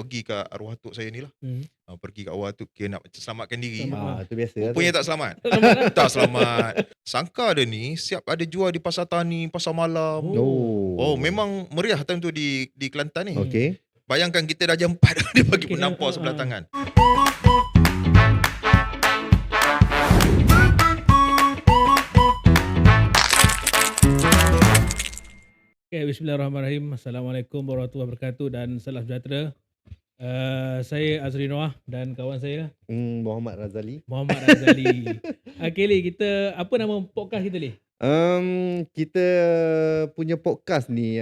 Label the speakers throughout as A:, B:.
A: pergi ke arwah atuk saya ni lah.
B: Hmm.
A: Pergi ke arwah atuk, kira nak macam selamatkan diri.
B: Selamat.
C: Itu biasa lah tu.
A: Rupanya tak selamat.
B: Selamat lah.
A: Tak selamat. Sangka dia ni siap ada jual di pasar tani, pasar malam. Oh, memang meriah time tu di Kelantan ni.
C: Okey.
A: Bayangkan kita dah jam 4 dia bagi penampar sebelah tangan.
B: Okay, bismillahirrahmanirrahim. Assalamualaikum warahmatullahi wabarakatuh dan salam sejahtera. Saya Azri Noah dan kawan saya
C: Muhammad Razali.
B: Muhammad Razali. Okay, Li, kita apa nama podcast kita, Li?
C: Kita punya podcast ni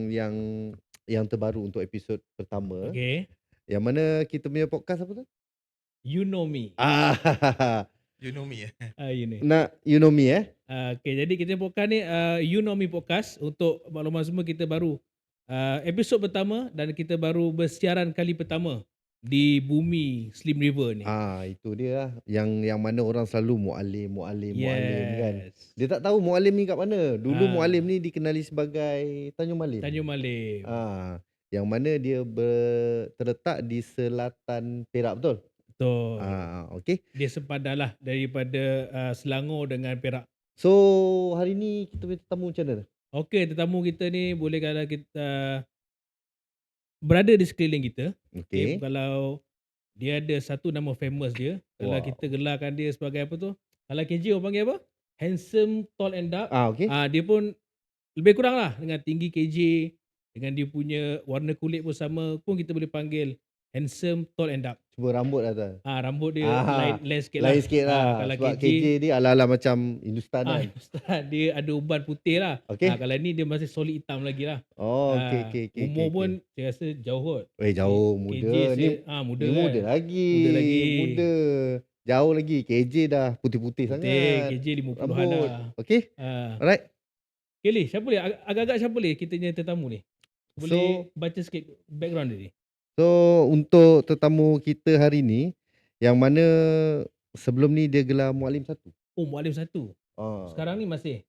C: yang terbaru untuk episod pertama.
B: Okay.
C: Yang mana kita punya podcast apa tu?
B: You Know Me.
A: You know me.
B: You know.
C: You Know Me
B: Okay, jadi kita podcast ni You Know Me Podcast. Untuk maklumat semua, kita baru episod pertama dan kita baru bersiaran kali pertama di bumi Slim River ni.
C: Itu dia lah. Yang mana orang selalu mu'alim kan.
B: Yes.
C: Dia tak tahu mu'alim ni kat mana. Dulu mu'alim ni dikenali sebagai Tanjung Malim.
B: Tanjung Malim.
C: Yang mana dia terletak di selatan Perak, betul?
B: Betul.
C: Okey.
B: Dia sepadan lah daripada Selangor dengan Perak.
C: So hari ni kita punya tetamu macam mana?
B: Okey, tetamu kita ni boleh kata kita berada di sekeliling kita.
C: Okey.
B: Kalau dia ada satu nama famous dia, kalau kita gelarkan dia sebagai apa tu? Kalau KJ orang panggil apa? Handsome, tall and dark.
C: Okey.
B: Dia pun lebih kurang lah dengan tinggi KJ, dengan dia punya warna kulit pun sama, pun kita boleh panggil handsome, tall and dark.
C: Cuba rambut lah tu.
B: Rambut dia lain sikit
C: lah. Lain sikit lah.
B: Kalau
C: Sebab KJ dia ala-ala macam Hindustan kan.
B: Dia ada uban putih lah.
C: Okay.
B: Kalau ni dia masih solid hitam lagi lah.
C: Okay.
B: Umur pun saya rasa jauh kot.
C: Jauh, muda.
B: KJ
C: Ni
B: muda
C: ni
B: kan.
C: muda lagi. Muda. Jauh lagi. KJ dah putih-putih sangat.
B: KJ 50-an dah.
C: Okay. Alright.
B: Okay, Li, siapa Li? Agak-agak siapa Li kita punya tetamu ni? Boleh baca sikit background dia ni?
C: So untuk tetamu kita hari ni, yang mana sebelum ni dia gelar Mualim 1.
B: Oh, Mualim 1. Sekarang ni masih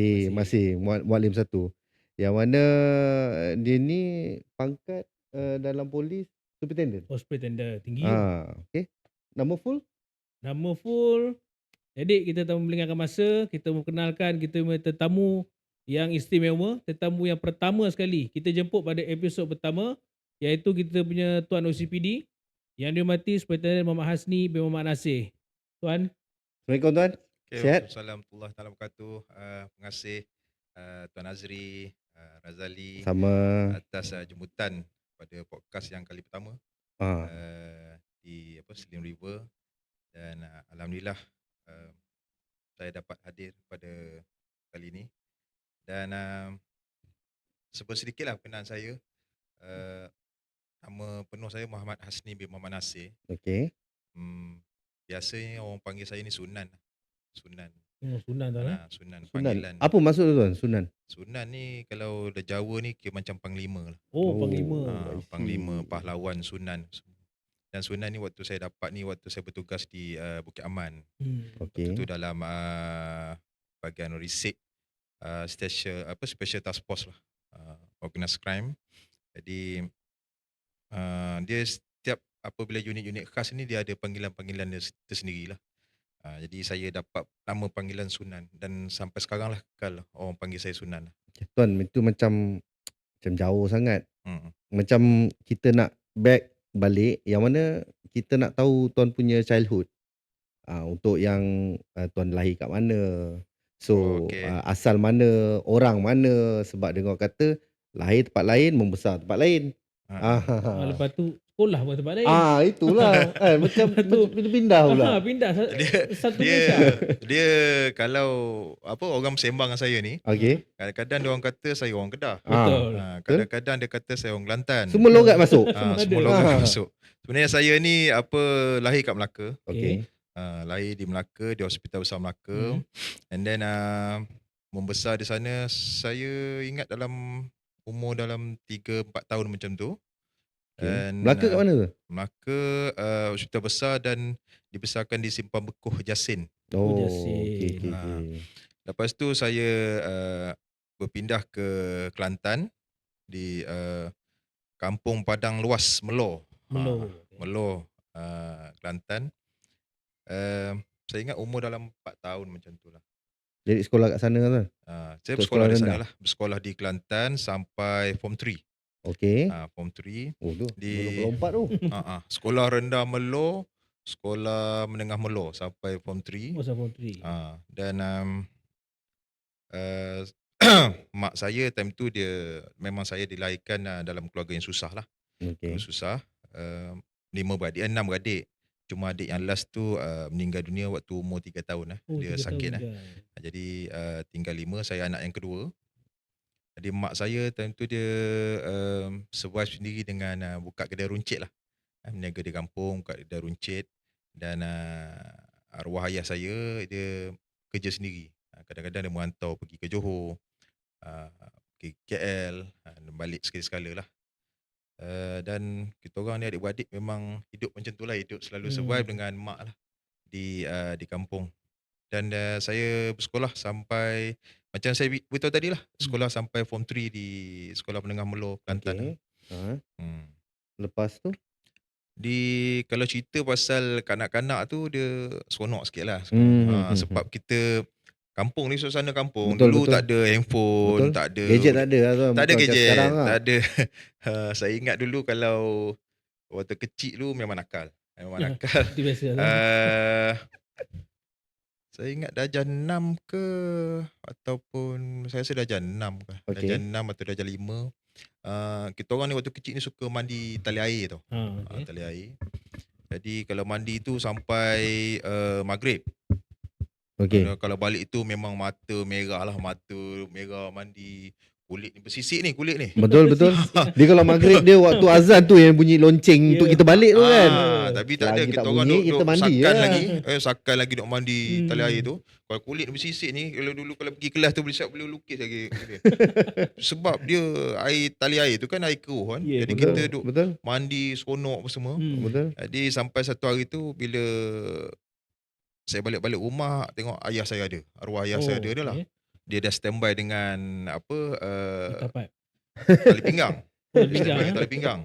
C: Mualim 1. Yang mana dia ni pangkat dalam polis superintendent.
B: Superintendent tinggi.
C: Okay. Nama full?
B: Nama full. Jadi kita tak melengahkan masa, kita mengenalkan kita punya tetamu yang istimewa, tetamu yang pertama sekali kita jemput pada episod pertama, iaitu kita punya Tuan OCPD yang dihormati Superintendent Muhammad Hasni bin Muhammad Nasir. Tuan.
C: Assalamualaikum Tuan. Sihat?
A: Assalamualaikum warahmatullahi wabarakatuh. Terima kasih Tuan Azri, Razali
C: Sama
A: atas jemputan pada podcast yang kali pertama di Slim River, dan alhamdulillah saya dapat hadir pada kali ini. Dan sebut sedikitlah perkenaan saya. Nama penuh saya Muhammad Hasni bin Muhammad Nasir.
C: Okey.
A: Biasanya orang panggil saya ni Sunan. Sunan
B: Tuan.
A: Sunan
C: panggilan. Apa maksud tu Tuan, Sunan?
A: Sunan ni kalau dah Jawa ni kira macam panglima lah.
B: Panglima.
A: Panglima, pahlawan, Sunan. Dan Sunan ni waktu saya dapat ni waktu saya bertugas di Bukit Aman.
C: Okey.
A: Waktu tu dalam bahagian risik special task force lah, organized crime. Jadi dia setiap apabila unit-unit khas ni dia ada panggilan-panggilan dia tersendiri lah. Jadi saya dapat nama panggilan Sunan, dan sampai sekarang lah kekal orang panggil saya Sunan.
C: Tuan, itu macam jauh sangat. Macam kita nak back balik, yang mana kita nak tahu Tuan punya childhood. Untuk yang Tuan lahir kat mana. So asal mana, orang mana. Sebab dengar kata lahir tempat lain, membesar tempat lain.
B: Lepas tu sekolah pun tempat lain.
C: Itulah. Macam pindah pula.
B: Pindah satu
A: dia kalau orang bersembang dengan saya ni.
C: Okey.
A: Kadang-kadang dia orang kata saya orang Kedah.
B: Betul.
A: Kadang-kadang dia kata saya orang Kelantan.
C: Semua logat masuk.
A: Semua logat masuk. Sebenarnya saya ni lahir kat Melaka.
C: Okey.
A: Lahir di Melaka, di Hospital Besar Melaka. And then membesar di sana, saya ingat dalam umur dalam 3-4 tahun macam tu.
C: And, Melaka kat mana tu?
A: Melaka Hospital Besar, dan dibesarkan di Simpang Bekuh Jasin.
B: Jasin.
C: Okay.
A: Lepas tu saya berpindah ke Kelantan di Kampung Padang Luas Melor.
B: Melo.
A: Melo, Kelantan. Saya ingat umur dalam 4 tahun macam tu lah.
C: Jadi sekolah kat sana kan?
A: Saya
C: Untuk
A: bersekolah
C: sekolah
A: di sana
C: rendah?
A: lah. Bersekolah di Kelantan sampai Form 3.
C: Okey.
A: Form 3
C: Oh tu,
A: di
C: belum lompat tu.
A: sekolah rendah Melo, sekolah menengah Melo sampai Form 3.
B: Masa Form 3.
A: Dan mak saya time tu dia memang saya dilahirkan dalam keluarga yang susah lah.
C: Okey.
A: Susah. 5 beradik, 6 beradik. Cuma adik yang last tu meninggal dunia waktu umur 3 tahun lah.
B: Oh,
A: Dia
B: 3
A: sakit
B: tahun
A: lah.
B: kan.
A: Jadi tinggal 5, saya anak yang kedua. Jadi mak saya time tu dia survive sendiri dengan buka kedai runcit lah. Meniaga di kampung, buka kedai runcit. Dan arwah ayah saya dia kerja sendiri. Kadang-kadang dia merantau pergi ke Johor, pergi KL, balik sekali-sekala lah. Dan kita orang ni adik-beradik memang hidup macam tu lah, hidup selalu survive dengan mak lah di kampung. Dan saya bersekolah sampai macam saya beritahu tadi lah, sekolah sampai Form 3 di Sekolah Menengah Melo Kelantan.
C: Okey. Lepas tu?
A: Kalau cerita pasal kanak-kanak tu dia seronok sikit lah. Sebab kita kampung ni, suasana kampung.
C: Betul,
A: Dulu
C: betul.
A: tak ada handphone,
C: Betul.
A: tak ada
C: Gadget tak ada lah tu.
A: tak ada
C: Bukan macam
A: gadget,
C: sekarang lah.
A: tak ada. Saya ingat dulu kalau waktu kecil tu memang nakal. Memang nakal.
B: Itu biasa lah.
A: Saya ingat darjah 6 ke ataupun saya rasa darjah 6 ke.
C: Okey.
A: Darjah 6 atau darjah 5. Kita orang ni waktu kecil ni suka mandi tali air tau.
B: Okay.
A: Tali air. Jadi kalau mandi tu sampai maghrib.
C: Okey.
A: Kalau balik tu memang mata merah lah, mata merah mandi. Kulit ni bersisik ni, kulit ni.
C: Betul, betul. Dia kalau maghrib dia waktu azan tu yang bunyi lonceng untuk kita balik tu kan.
A: Tapi tak ada,
C: Selagi
A: kita
C: tak
A: orang
C: bunyi,
A: duk
C: kita mandi
A: sakan
C: lah.
A: lagi. Sakan lagi duk mandi tali air tu. Kalau kulit bersisik ni, kalau dulu kalau pergi kelas tu boleh lukis lagi. Sebab dia air tali air tu kan air keruh kan.
B: Yeah,
A: Jadi
C: betul,
A: kita duk
C: betul.
A: mandi seronok apa semua.
C: Betul.
A: Jadi sampai satu hari tu bila saya balik rumah tengok ayah saya ada. Arwah ayah saya ada dah lah. Dia dah standby dengan
B: Tapat.
A: tali pinggang.
B: Tali
A: Dia
B: pinggang,
A: standby dengan
B: eh?
A: tali pinggang.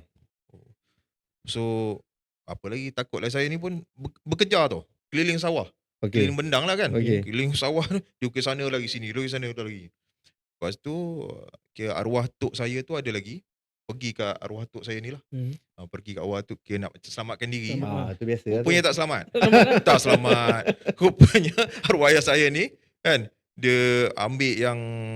A: So apa lagi takutlah saya ni pun bekerja tau. Keliling sawah.
C: Okey.
A: Keliling bendang lah kan.
C: Okey.
A: Keliling sawah tu dia ke sana lagi sini, lagi sana lagi. Lepas tu kira arwah tok saya tu ada lagi pergi ke arwah tok saya ni lah. Pergi ke arwah tok kira nak selamatkan diri.
C: Tu biasa lah tu.
A: Rupanya tak selamat. Tak selamat. Rupanya arwah ayah saya ni kan dia ambil yang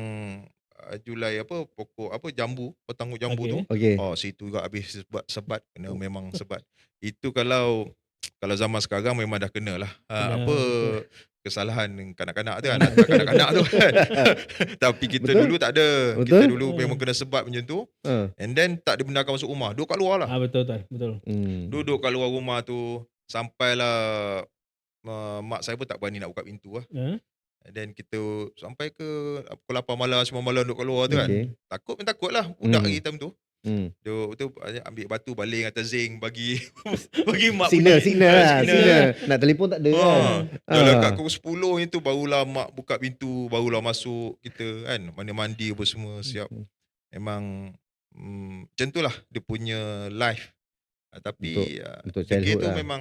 A: julai pokok jambu, petangguh jambu tu.
C: Okey.
A: Situ juga habis sebat kena memang sebat. Itu kalau zaman sekarang memang dah kena lah.
B: Betul.
A: Kesalahan kanak-kanak tu kan, anak kanak-kanak tu kan. Tapi kita
C: Betul.
A: dulu tak ada.
C: Betul.
A: Kita dulu memang kena sebat macam tu. And then tak dibenarkan masuk rumah. Duduk kat luar lah.
B: Betul.
A: Duduk kat luar rumah tu sampailah mak saya pun tak berani nak buka pintu lah. Dan kita sampai ke pukul 8 malam, 9 malam duduk kat luar tu kan.
C: Okey.
A: Takut lah budak lagi time tu.
C: Hmm.
A: Dia ambil batu baling atas zinc bagi mak
C: Signal
A: bunyi.
C: lah.
A: Signal.
C: Signal. Nak telefon tak ada kan.
A: Dalam kat pukul 10 itu barulah mak buka pintu, barulah masuk kita kan. Mandi apa semua siap. Memang macam tu lah dia punya life. Tapi
C: Untuk
A: fikir
C: childhood
A: tu
C: lah.
A: memang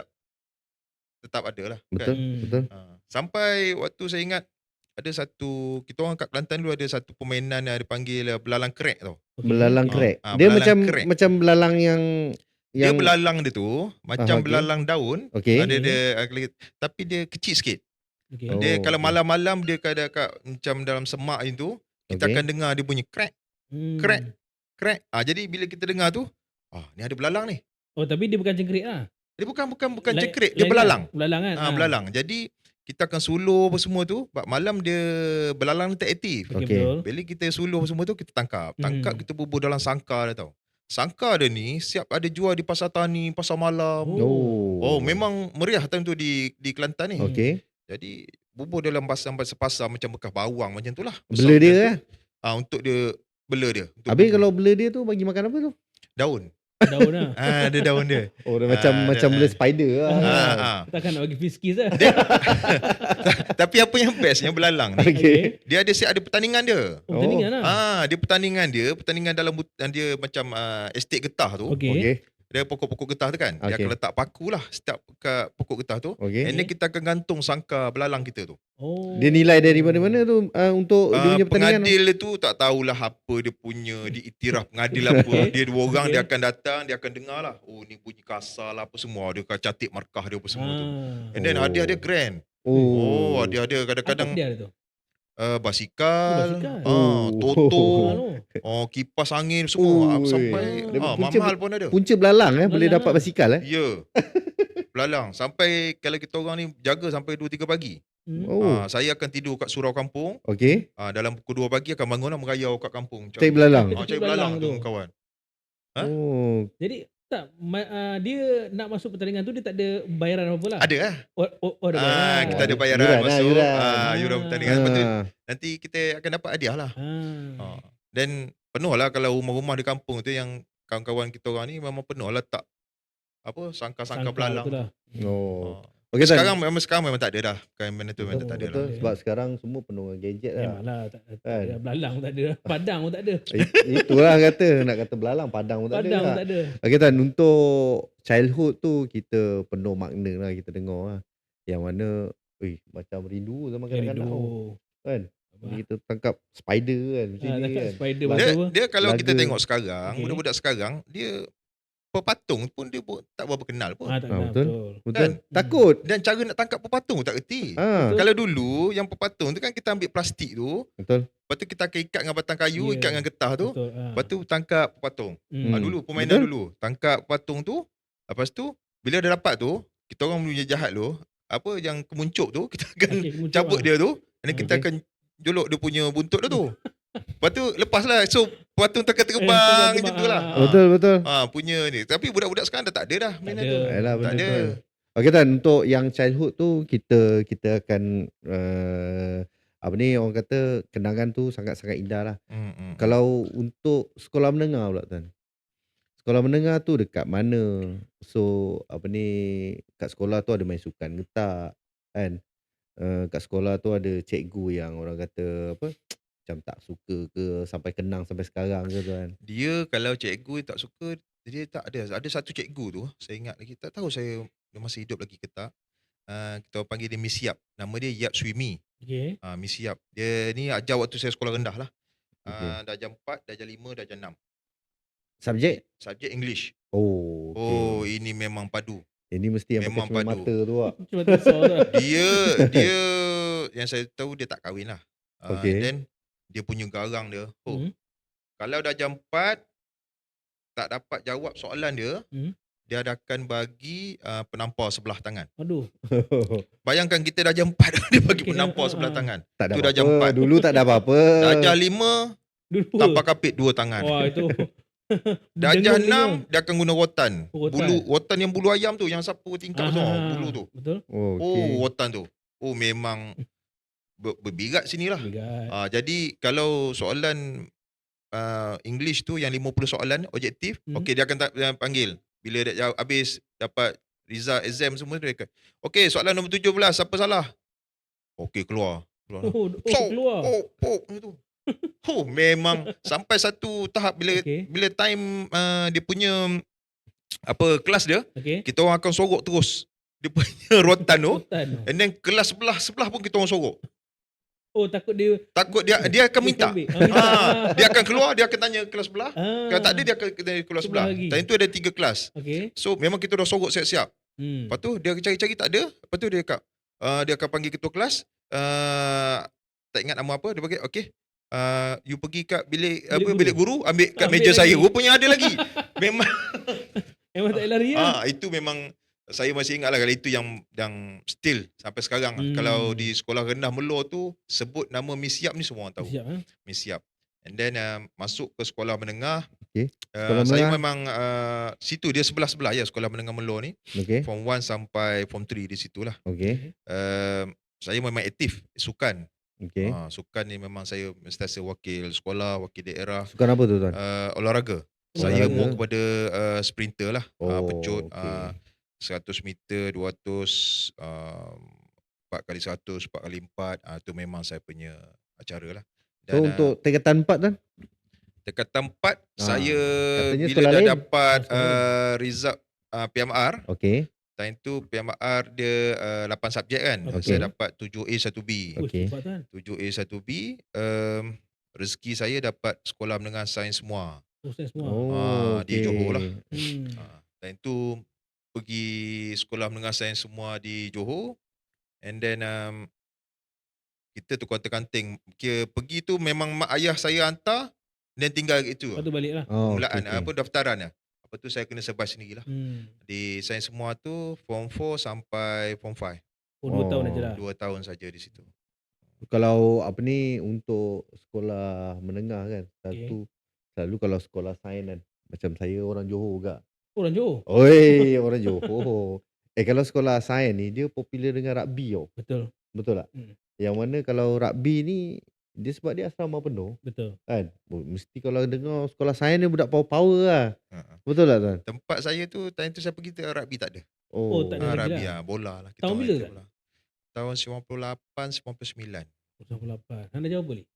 A: tetap ada lah
C: Betul.
A: kan.
C: Betul.
A: Sampai waktu saya ingat ada satu, kita orang kat Kelantan dulu ada satu permainan yang dipanggil belalang krek tau.
C: Belalang krek. Dia
A: belalang krek.
C: macam belalang yang
A: Dia belalang dia tu macam
C: okey.
A: belalang daun.
C: Okey.
A: Ada tapi dia kecil sikit.
B: Okay.
C: Oh,
A: Dia kalau
C: okey.
A: malam-malam dia kat macam dalam semak itu kita
C: Okey.
A: akan dengar dia bunyi krek krek. Jadi bila kita dengar tu, ni ada belalang ni.
B: Oh, tapi dia bukan cengkerik lah.
A: Dia bukan
B: Lain-
A: cengkerik, dia
B: lain
A: belalang.
B: kan? Belalang kan?
A: Belalang. Jadi kita akan suluh apa semua tu, malam dia belalang ni tak aktif.
B: Okay,
C: Okey.
B: betul.
A: Bila kita suluh semua tu kita tangkap. Kita bubur dalam sangkar dia tau. Sangkar dia ni siap ada jual di pasar tani, pasar malam. Memang meriah time tu di Kelantan ni.
C: Okey.
A: Jadi bubur dalam pasar macam bekas bawang macam tu lah.
C: Bela dia lah.
A: Untuk dia bela dia. Untuk
C: Habis
A: bubur.
C: kalau bela dia tu bagi makan apa tu?
A: daun.
B: Daun lah.
A: Ada daun dia.
C: Oh, dia macam bela spider lah.
B: Takkan nak bagi fiskis lah.
A: Tapi apa yang best yang belalang ni,
C: Okey.
A: dia ada pertandingan dia.
B: Pertandingan lah.
A: Dia pertandingan dalam dia macam estate getah tu.
B: Okey.
C: Okey.
A: dia pokok-pokok getah tu kan. Dia akan
C: Okey.
A: letak paku lah setiap kat pokok getah tu.
C: Okey.
A: And then kita akan gantung sangkar belalang kita tu.
B: Oh.
C: Dia nilai dari mana-mana tu untuk dia punya pertandingan?
A: Pengadil tu tak tahulah apa dia punya, diiktiraf pengadil apa.
B: Okey.
A: Dia 2 orang,
B: Okey.
A: dia akan datang, dia akan dengar lah. Oh ni bunyi kasar lah apa semua. Dia akan catik markah dia apa semua tu. And then hadiah dia grand.
C: Oh.
A: Hadiah dia
B: Apa
A: kadang-kadang
B: dia tu?
A: basikal,
B: basikal.
A: toto,
B: Mahal tu.
A: kipas angin semua.
C: Ui.
A: Sampai
C: Dia punca-
A: mahal pun ada.
C: Punca belalang boleh
B: Belalang
C: dapat
B: lah.
C: basikal
A: Ya. Belalang. Sampai kalau kita orang ni jaga sampai 2-3 pagi.
C: Oh.
A: Saya akan tidur kat surau kampung.
C: Okey.
A: Dalam pukul 2 pagi akan bangun lah merayau kat kampung.
C: Cari belalang.
A: Cari belalang tu kawan. Ha?
C: Oh.
B: Jadi tak dia nak masuk pertandingan tu dia tak ada bayaran apa lah.
A: Ada lah.
B: Oh ada bayaran.
A: Kita ada bayaran
C: Yuran lah,
A: masuk.
C: yuran.
A: Yuran pertandingan. Lepas tu
C: Ah.
A: nanti kita akan dapat hadiah lah.
B: Ah.
A: Dan penuh lah kalau rumah-rumah di kampung tu yang kawan-kawan kita orang ni memang penuh lah tak apa sangkar-sangkar belalang.
B: Betul lah.
C: Oh. Okey,
A: Sekarang memang tak ada dah. Kan benda tu memang tak ada
C: betul,
A: lah.
C: sebab sekarang semua penuh dengan gadget lah.
B: Memanglah tak
C: Kan?
B: ada belalang tak ada. Padang pun tak ada.
C: Itulah kata, nak kata belalang, padang pun tak
B: Padang pun
C: ada.
B: tak ada.
C: Okey Tan, untuk childhood tu kita penuh makna lah, kita dengar lah. Yang mana, macam rindu zaman kanak-kanak tau. Kan? Kita tangkap spider kan, macam ni
B: Tangkap
C: kan.
B: spider
C: Laga-
B: macam apa?
A: Dia kalau kita
C: Laga.
A: tengok sekarang,
B: Okey.
A: budak-budak sekarang, dia pepatung pun dia pun tak berapa kenal pun.
B: Tak kenal,
C: betul.
B: betul.
C: Betul?
A: Kan?
C: Takut.
A: Dan cara nak tangkap pepatung tak erti.
C: Ha,
A: Kalau dulu yang pepatung tu kan kita ambil plastik tu,
C: betul.
A: lepas tu kita akan ikat dengan batang kayu,
B: Ya.
A: ikat dengan getah tu,
B: Betul.
A: lepas tu tangkap pepatung. Dulu permainan
C: Betul.
A: dulu, tangkap pepatung tu, lepas tu bila dah dapat tu, kita orang punya jahat tu, apa yang kemuncuk tu, kita akan
B: Okey, kemuncuk
A: cabut
B: lah.
A: dia tu, dan kita
C: Okey.
A: akan jolok dia punya buntut dia tu. Lepas tu lepaslah. So pepatung takkan terbang
B: terbang,
A: macam tu lah.
C: Betul.
A: Punya ni. Tapi budak-budak sekarang dah tak ada dah mainan
B: ada.
A: tu.
C: Yalah,
A: Tak
C: benda
A: ada.
C: tu kan. Okey Tan, untuk yang childhood tu kita akan apa ni orang kata kenangan tu sangat-sangat indah lah. Kalau untuk sekolah menengah pula Tan. Sekolah menengah tu dekat mana? So apa ni kat sekolah tu ada main sukan ke tak? Kan? Kat sekolah tu ada cikgu yang orang kata apa? Macam tak suka ke sampai kenang sampai sekarang ke tu kan?
A: Dia kalau cikgu tak suka, dia tak ada. Ada satu cikgu tu, saya ingat lagi. Tak tahu saya dia masih hidup lagi ke tak. Kita panggil dia Miss Yap. Nama dia Yap Swimi.
B: Okey.
A: Miss Yap. Dia ni ajar waktu saya sekolah rendah lah.
C: Okey.
A: Darjah 4, darjah 5, darjah 6.
C: Subjek?
A: Subjek English.
C: Oh, okey.
A: Ini memang padu.
C: Ini mesti yang
A: memang
C: pakai cermin
A: padu.
C: mata tu lah.
B: Cuma tersor tu.
A: Dia yang saya tahu dia tak kahwin lah.
C: Okey.
A: And then dia punya garang dia.
B: Hmm.
A: Kalau darjah 4 tak dapat jawab soalan dia, dia akan bagi penampar sebelah tangan.
B: Aduh.
A: Bayangkan kita darjah 4 dia bagi
B: Okey,
A: penampar sebelah tangan.
C: Tak ada
A: Tu darjah
C: apa-apa.
A: 4.
C: Dulu tak ada apa-apa.
A: Darjah 5
B: Dulu.
A: tapak kapit 2 tangan.
B: Wah itu.
A: Darjah
B: Dengung
A: 6 dia akan guna rotan.
B: Rotan.
A: Rotan yang bulu ayam tu yang sapu tingkap tu, bulu tu.
B: Betul.
C: Oh, okey.
A: Rotan tu. Memang berbirat sinilah.
B: Bigat.
A: Jadi kalau soalan English tu yang 50 soalan objektif, okey dia akan dia panggil. Bila dia jawab habis dapat result exam semua dia akan, okey soalan nombor 17 siapa salah? Okey keluar.
B: Keluar.
A: Itu. Memang sampai satu tahap bila
B: Okey.
A: bila time dia punya kelas dia,
B: Okey.
A: kita orang akan sorok terus dia punya rotan tu.
B: Rotan.
A: And then kelas sebelah pun kita orang sorok.
B: Takut dia.
A: Takut dia akan minta.
B: ambil.
A: Dia akan keluar, dia akan tanya kelas sebelah. Kalau tak ada dia akan tanya kelas sebelah.
B: Sebelah lagi.
A: Time tu ada 3 kelas.
B: Okey.
A: So memang kita dah sorok siap-siap. Lepas tu dia cari-cari tak ada. Lepas tu dia akan panggil ketua kelas. Tak ingat nama apa, dia panggil okey. You pergi kat bilik guru, ambil kat
B: Ambil
A: meja
B: lagi.
A: saya. Rupanya ada lagi. Memang
B: Memang tak lari kan?
A: itu memang saya masih ingat lah kalau itu yang still sampai sekarang. Kalau di sekolah rendah Melor tu sebut nama Miss Yap ni semua orang tahu.
B: Siap
A: Miss Yap. And then masuk ke sekolah menengah.
C: Okey. Sekolah
A: Saya
C: menengah.
A: memang situ dia sebelah-sebelah ya sekolah menengah Melor ni.
C: Okey.
A: Form 1 sampai form 3 di situlah.
C: Okey.
A: Saya memang aktif sukan.
C: Okey.
A: Sukan ni memang saya sentiasa wakil sekolah, wakil daerah.
C: Sukan apa tu Tuan?
A: Olahraga. Saya
C: Olahraga.
A: more kepada sprinter lah. Pecut
C: okey.
A: 100 meter, 200, 4x100, 4x4. Tu memang saya punya acara lah.
C: So untuk tingkatan 4 Tuan?
A: Tingkatan 4 saya
C: Katanya
A: bila
C: sekolah
A: dah
C: lain.
A: dapat
B: Sekolah lain.
A: result PMR,
C: Okey.
A: time tu PMR dia 8 subjek kan.
B: Okey.
A: Saya dapat 7A 1B.
C: Okey.
B: Cepat kan.
A: 7A 1B, rezeki saya dapat sekolah menengah sains semua.
B: Proses semua.
A: Di Johor lah.
C: okey.
A: Time tu pergi sekolah menengah sains semua di Johor, and then kita tukar kanting. Kira pergi tu memang mak ayah saya hantar, dan tinggal kat itu.
B: Lepas tu balik lah.
A: Permulaan
C: okey.
A: daftaran lah. Lepas tu saya kena survive sendirilah. Di sains semua tu form 4 sampai form 5.
B: Oh, 2 tahun aja lah.
A: 2 tahun saja di situ.
C: Kalau apa ni, untuk sekolah menengah kan, selalu kalau sekolah sains kan, macam saya orang Johor juga.
B: Orang Johor.
C: Oi, orang Johor. Kalau sekolah sains ni dia popular dengan rugby tau.
B: Betul.
C: Betul tak? Yang mana kalau rugby ni dia sebab dia asrama penuh
B: Betul.
C: kan. Mesti kalau dengar sekolah sains ni budak power lah. Betul tak tuan?
A: Tempat saya tu time tu saya pergi tu rugby tak ada.
B: Oh, tak ada rugby
A: Rugby
B: lah.
A: bola lah.
B: Tahun
A: orang
B: bila
A: itu
B: tak?
A: bola. Tahun 98 99.
B: 98. Anda jawab boleh?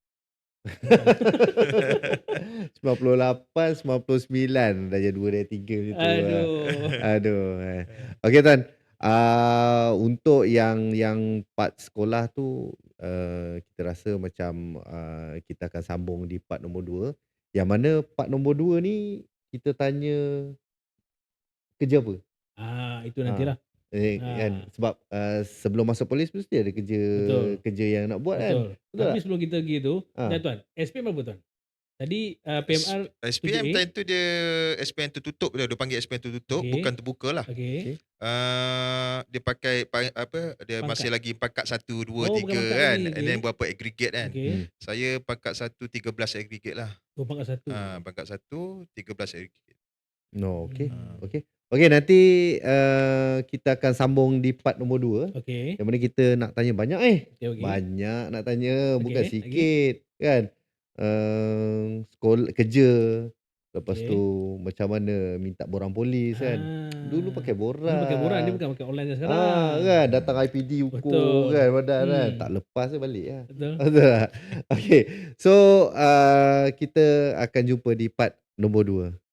C: 98, 99 dah jadi 2 dari 3 macam tu.
B: Aduh.
C: Okey tuan. Untuk yang part sekolah tu kita rasa macam kita akan sambung di part nombor 2. Yang mana part nombor 2 ni kita tanya kerja apa?
B: Itu nantilah.
C: Kan sebab sebelum masuk polis mesti ada kerja yang nak buat kan.
B: Betul. Tapi sebelum kita pergi tu, tuan, SPM berapa tuan? Tadi PMR
A: SPM
B: 7A.
A: time tu dia SPM tertutup dia panggil SPM tertutup,
B: Okey.
A: bukan terbuka lah.
B: Okey.
A: Dia pakai dia
B: Pangkat.
A: masih lagi pangkat 1 2
B: Oh, bukan
A: 3
B: pangkat
A: kan,
B: lagi,
A: and then
B: okey.
A: berapa aggregate kan.
B: Okey.
A: Saya pangkat 1 13 aggregate lah.
B: Oh, pangkat 1.
A: Pangkat 1 13 aggregate.
C: No, okey, nanti kita akan sambung di part nombor 2.
B: Okey.
C: Yang mana kita nak tanya banyak
B: Okey.
C: banyak nak tanya, bukan
B: Okey,
C: sikit kan. Sekolah, kerja, lepas
B: Okey.
C: tu macam mana minta borang polis kan. Dulu pakai borang.
B: Dulu pakai borang, dia bukan pakai online macam sekarang.
C: Kan datang IPD ukur
B: Betul.
C: kan badan kan.
B: Hmm.
C: Tak lepas je balik lah.
B: Betul.
C: Betul tak? Okey. So kita akan jumpa di part nombor 2.